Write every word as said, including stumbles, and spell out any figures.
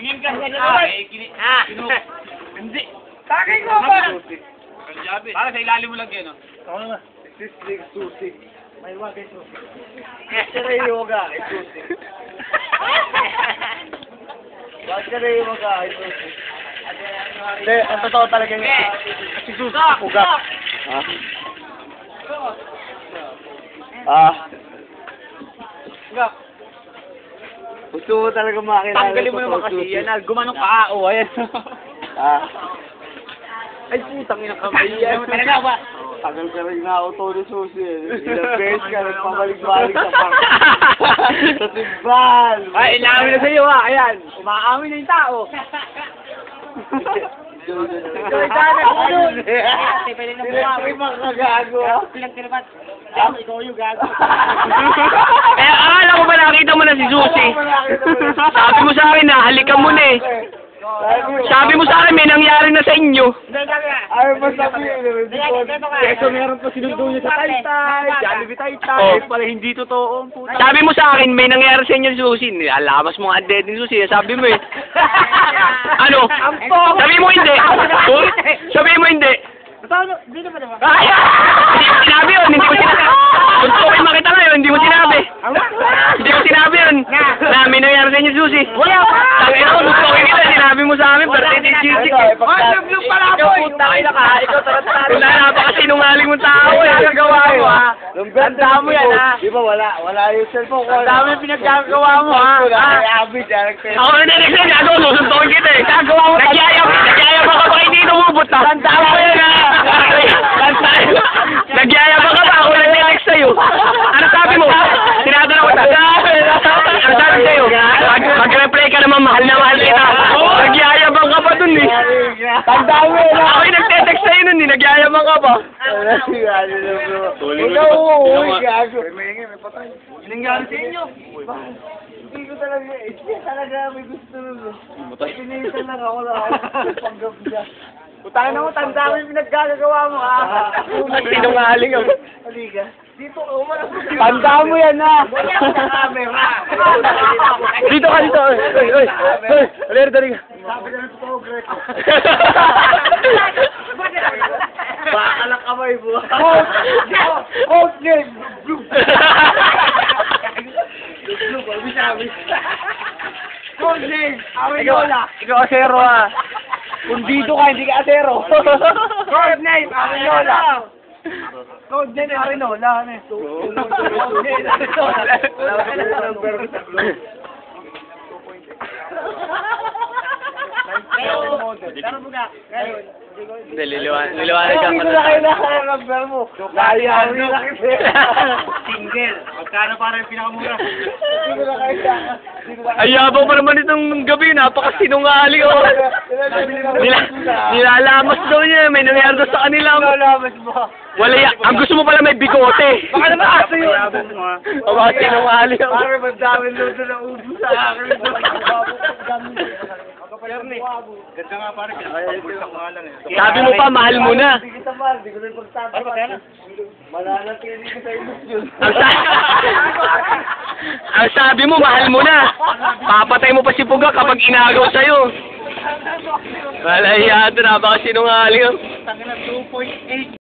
Tingin ka sa Ah, naman. ah. Hindi. Takay ko ba? Para sa ilalim mo lang yan, oh. Ako naman. Sisig, susi. May wag ay susi. Kaya yoga ay susi. Wag ka na yoga ay susi. Hindi, ang totoo talaga nga. Si Susi, uga. Ah. Ah. Uga. Gusto mo talaga makilala. Tanggalin mo naman kasi yan, ah. Gumanong ka, oh, ayan. Ah. Ay, putang ina kamay yan. Talaga ba? Tagal ka rin na auto ni Susi. Ilang beses ka nagpabalik-balik sa park. Sa timbal. Ay, inamin na sa'yo, ha. Ayan. Umaamin na yung tao. Ikaw ay sana ko dun. Sila yung mga kagago. Ilang kinabat? Ikaw yung gago. Eh, akala ko ba nakita mo na si Susi? Sabi mo sa akin na, halikan mo na eh. Sabi mo sa akin, may nangyari na sa inyo. Ayaw mo sabihin. Keso meron pa sinundo niya sa Taytay. Jollibee Taytay. Oh. Eh, pala hindi totoo. Puta. Sabi mo sa akin, may nangyari sa inyo si Susi. Alamas mo nga dead ni Susi. Sabi mo eh. Ano? Sabi mo hindi. Sabi mo hindi. Hindi naman naman. Ay! Hindi mo sinabi yun. Hindi mo sinabi. Gusto ko kayo makita ngayon. Hindi mo sinabi. Hindi mo sinabi yun. Na may nangyari sa inyo si Susi. Wala pa! Tangin ako. Gusto ko kita. Sinabi mo sa amin. Pero hindi cheesy. Ah, nag-vlog pala ako. Ikaw puta kayo ka. Ikaw tarantado. Wala na baka sinungaling mong tao eh. Pinagagawa mo, ha? Tanda mo yan, ha? Di ba wala? Wala yung cellphone ko. Ang dami pinagagawa mo, ha? Ay, Abby, direct sa'yo. Ako na next time. Gago. Susuntukin kita eh. Gagawa mo. Nagyayab. Nagyayab ka ba hindi tumubot na? Tanda mo yan, ha? Nagyayabang ka ba? Ako lang next sa'yo. Ano sabi mo? Tinatanong ko ta. Ano sabi sa'yo? Mag Mag-reply ka naman, mahal na mahal kita. Nagyayabang ka pa dun eh. Tanda mo yan, ha? Ako yung nagte-text sa'yo nun eh. Nagyayabang ka pa. Ikaw, uy, gago. May patay. Nangyari sa inyo. Hindi ko talaga, hindi talaga may gusto nun. Pinisan lang ako na ako. Panggap niya. Putang na mo, tanda mo yung pinaggagawa mo, ha? Sinungaling ako. Halika. Dito, umalas mo. Tanda mo yan, ha? Dito ka dito. Oy, oy, oy. Oy, alir, dali ka. Sabi na ng totoo, Greco. Baka lang kamay mo. Coach! Coach game! Blue! Blue, babi sabi. Coach game! Arinola! Ikaw asero ah. Kung dito ka, hindi ka asero. Code name, Arinola. Code name, Arinola. Code name, Arinola. Pero buga, ngayon, Hindi, liliwan, liliwanag ka Hindi pa ko na kailangan ang number mo. Layaw na kasi. single. Magkano para yung pinakamura? Hindi ko na kailangan. Ay, yabang pa naman itong gabi. Napakasinungaling ako. Nila, nilalamas daw niya. May nangyari daw sa kanila. Nilalamas mo. Wala ya. Ang gusto mo pala may bigote. Baka naman aso yun. O baka sinungaling ako. Parang magdami lodo na ubo sa akin. Ganda nga parang pagpulsak mo nga lang eh. Sabi mo pa, mahal mo na. Hindi kita mahal. Hindi ko na pagsabi. Ano ba kaya na? Mananatili ko sa ilusyon. Ang, sa- Ang sabi mo, mahal mo na. Papatay mo pa si Puga kapag inagaw sa'yo. Wala yan. Napakasinungaling ako. Tangina two point eight.